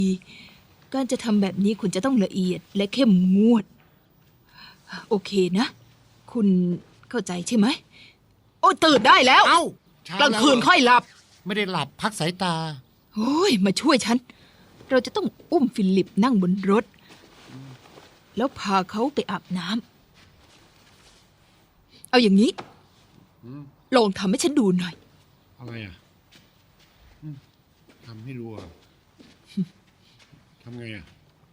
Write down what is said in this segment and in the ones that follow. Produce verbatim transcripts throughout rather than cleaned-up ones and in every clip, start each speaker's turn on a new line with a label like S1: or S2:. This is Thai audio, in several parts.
S1: การจะทำแบบนี้คุณจะต้องละเอียดและเข้มงวดโอเคนะคุณเข้าใจใช่ไหมโอ้ตื่นได้แล้ว
S2: เอ้าเช้าก
S1: ลางคืนค่อยหลับ
S2: ไม่ได้หลับพักสายตา
S1: โอ้ยมาช่วยฉันเราจะต้องอุ้มฟิลิปนั่งบนรถแล้วพาเขาไปอาบน้ำเอาอย่างนี้
S2: อืม
S1: ลองทำให้ฉันดูหน่อย
S2: อะไรอ่ะอืมทำให้ดูอ่ะทำไงอ่ะ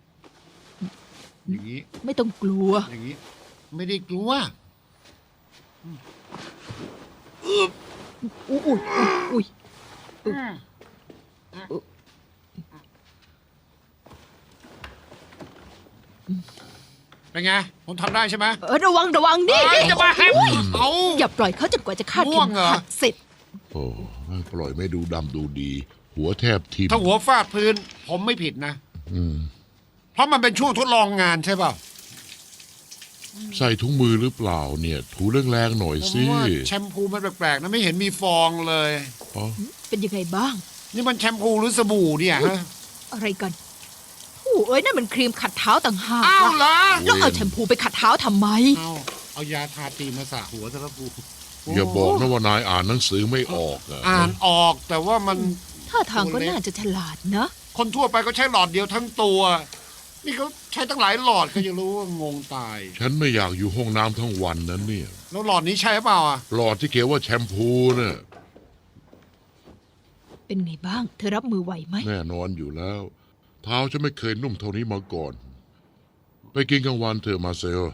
S2: อย่างนี้
S1: ไม่ต้องกลัว
S2: อย่างนี้ ไม่ได้กลัว
S1: อุ้ยอุ้ยอุ้ยอุ้ย
S2: เป็นไงผมทำได้ใช่ไหม
S1: เออระวังระวังนี่
S2: เอ้ย
S1: นี่
S2: จะมาให้เอา
S1: อย่าปล่อยเขาจนกว่าจะคาด
S2: ง่
S1: เข็
S2: วง
S1: ม
S2: เหรอ
S1: ขัดเสร็จ
S3: โอ้ปล่อยไม่ดูดำดูดี หัวแทบทิ่ม
S2: ถ้าหัวฟาดพื้น ผมไม่ผิดนะ
S3: อืม
S2: เพราะมันเป็นช่วงทดลองงานใช่เปล่า
S3: ใส่ถุงมือหรือเปล่าเนี่ย ถูแรงๆหน่อย
S2: ผม
S3: สิ
S2: ว่าแชมพูมันแปลกๆนะไม่เห็นมีฟองเลย
S3: อ๋อ
S1: เป็นยังไงบ้าง
S2: นี่มันแชมพูหรือสบู่เนี่ยฮะ
S1: อะไรกันโอ้เอ้ยนั่นมันครีมขัดเท้าต่างหาก
S2: อ้าว
S1: วะ
S2: เหรอ
S1: แล้วเอาแชมพูไปขัดเท้าทำไม
S2: เอาเอายาทาตีนมาสระหัวซะแล้วกู
S3: อย่าบอกนะว่านายอ่านหนังสือไม่ออกอะ
S2: อ่านออกแต่ว่ามัน
S1: ท่าทางก็น่าจะฉลาดนะ
S2: คนทั่วไปก็ใช้หลอดเดียวทั้งตัว นี่เขาใช้ตั้งหลายหลอดก็จะรู้ว่างงตาย
S3: ฉันไม่อยากอยู่ห้องน้ำทั้งวันนั้นเนี่ย
S2: แล้วหลอดนี้ใช่เปล่าอ่ะ
S3: หลอดที่เขียนว่าแชมพูเนี่ย
S1: เป็นไงบ้าง เธอรับมือไหวไหม
S3: แน่นอนอยู่แล้ว เท้าฉันไม่เคยนุ่มเท่านี้มาก่อน ไปกินกลางวันเถอะมาเซล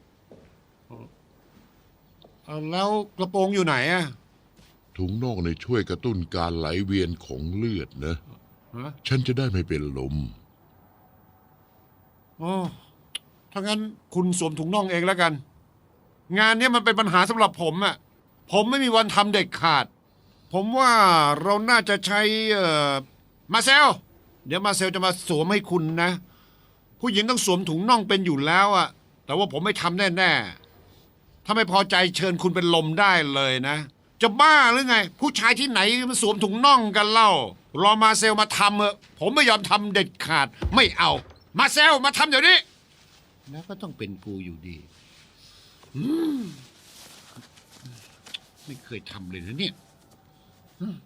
S2: เอาแล้วกระโปรงอยู่ไหนอ่ะ
S3: ถุงน่องในยช่วยกระตุ้นการไหลเวียนของเลือดนะ
S2: ฮะ
S3: ฉันจะได้ไม่เป็นลม
S2: อ๋อถ้างั้นคุณสวมถุงน่องเองแล้วกัน งานเนี้ยมันเป็นปัญหาสำหรับผมอ่ะ ผมไม่มีวันทำเด็ดขาด ผมว่าเราน่าจะใช้เอ่อมาเซล เดี๋ยวมาเซลจะมาสวมให้คุณนะ ผู้หญิงต้องสวมถุงน่องเป็นอยู่แล้วอะแต่ว่าผมไม่ทำแน่ๆถ้าไม่พอใจเชิญคุณเป็นลมได้เลยนะ จะบ้าหรือไง ผู้ชายที่ไหนมาสวมถุงน่องกันเล่ารอมาเซลมาทำเถอะผมไม่ยอมทำเด็ดขาด ไม่เอา มาเซลมาทำเดี๋ยวนี้แล้วก็ต้องเป็นกูอยู่ดีอืมไม่เคยทำเลยนะเนี่ย